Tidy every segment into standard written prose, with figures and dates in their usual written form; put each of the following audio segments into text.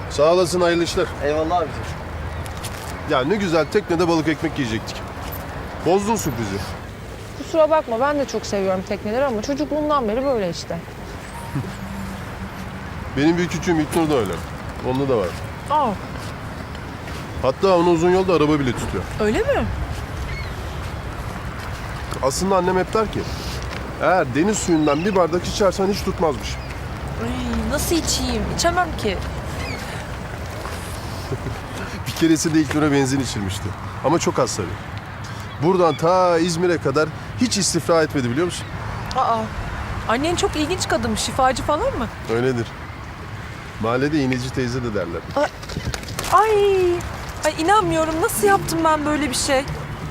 Sağ olasın, hayırlı işler. Eyvallah abicim. Ya ne güzel teknede balık ekmek yiyecektik. Bozdun sürprizi. Kusura bakma, ben de çok seviyorum tekneleri ama çocukluğumdan beri böyle işte. Benim bir küçüğüm İlknur da öyle. Onda da var. Aa, Hatta onu uzun yolda araba bile tutuyor. öyle mi? Aslında annem hep der ki, eğer deniz suyundan bir bardak içersen hiç tutmazmış. Ay, nasıl içeyim? İçemem ki. Bir keresinde İlknur'a benzin içirmişti. Ama çok az tabii. Buradan ta İzmir'e kadar hiç istifra etmedi, biliyor musun? Aa, annen çok ilginç kadın, şifacı falan mı? Öyledir. Mahallede iğneci teyze de derler. Ay inanmıyorum, nasıl yaptım ben böyle bir şey?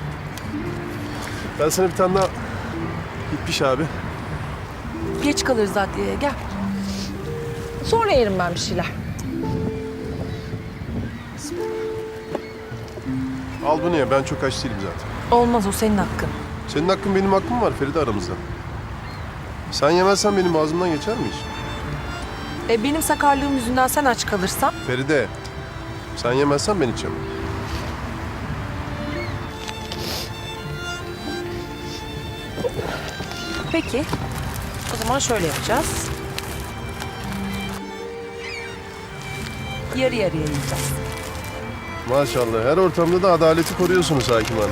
Ben sana bir tane daha gitmiş abi. Geç kalırız adliyeye, gel. Sonra yerim ben bir şeyler. Al bunu ya, ben çok aç değilim zaten. Olmaz, o senin hakkın. Senin hakkın benim hakkım var Feride aramızda. Sen yemezsen benim ağzımdan geçer mi hiç? Benim sakarlığım yüzünden sen aç kalırsan... Feride, sen yemezsen ben içemem. Peki, o zaman şöyle yapacağız. Yarı yarıya yiyeceğiz. Maşallah, her ortamda da adaleti koruyorsunuz hakim hanım.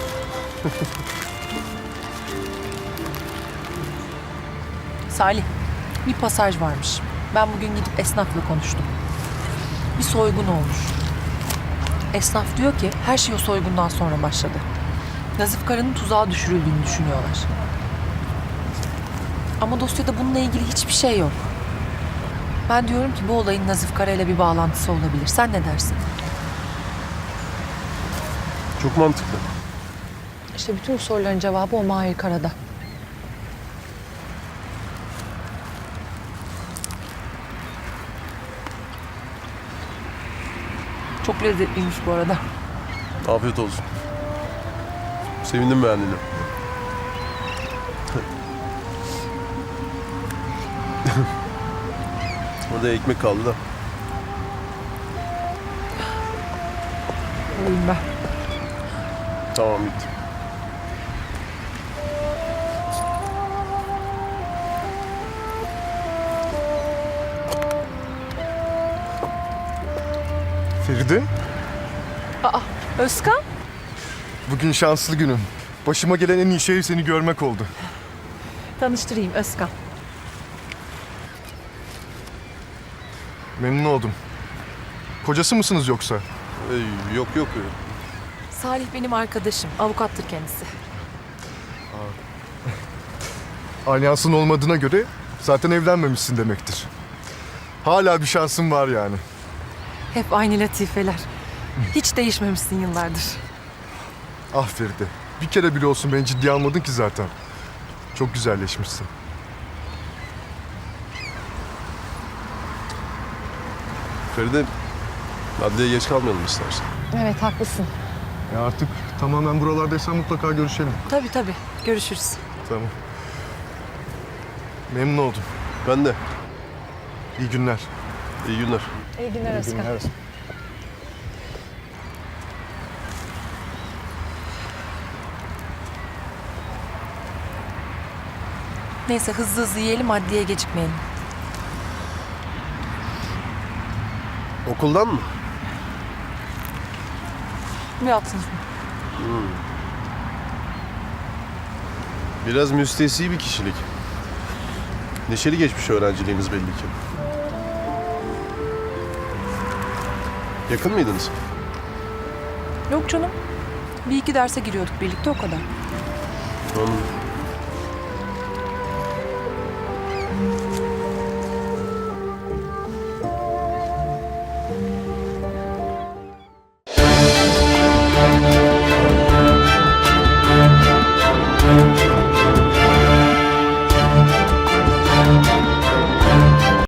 Salih, bir pasaj varmış. Ben bugün gidip esnafla konuştum. Bir soygun olmuş. Esnaf diyor ki her şey o soygundan sonra başladı. Nazif Kara'nın tuzağa düşürüldüğünü düşünüyorlar. Ama dosyada bununla ilgili hiçbir şey yok. Ben diyorum ki bu olayın Nazif Kara ile bir bağlantısı olabilir. Sen ne dersin? Çok mantıklı. İşte bütün bu soruların cevabı o Mahir Kara'da. Çok lezzetliymiş bu arada. Afiyet olsun. Sevindim beğendiğine. Orada ekmek kaldı da. Alayım ben. Tamam, bitti. Feride, Özkan? bugün şanslı günüm. Başıma gelen en iyi şey seni görmek oldu. Tanıştırayım, Özkan. Memnun oldum. Kocası mısınız yoksa? Yok yok. Salih benim arkadaşım. Avukattır kendisi. Alyansın olmadığına göre zaten evlenmemişsin demektir. Hala bir şansın var yani. Hep aynı latifeler. Hiç değişmemişsin yıllardır. Ah Feride, bir kere bile olsun beni ciddiye almadın ki zaten. Çok güzelleşmişsin. Feride, adliyeye geç kalmayalım istersen. Evet, haklısın. Ya artık tamamen buralardaysan mutlaka görüşelim. Tabii. Görüşürüz. Tamam. Memnun oldum. Ben de. İyi günler. İyi günler. İyi günler Özkan. Neyse hızlı hızlı yiyelim, adliyeye gecikmeyelim. Okuldan mı? Bir altın. Biraz müstesni bir kişilik. Neşeli geçmiş öğrenciliğiniz belli ki. Yakın mıydınız? Yok canım. Bir iki derse giriyorduk birlikte, o kadar. Anladım.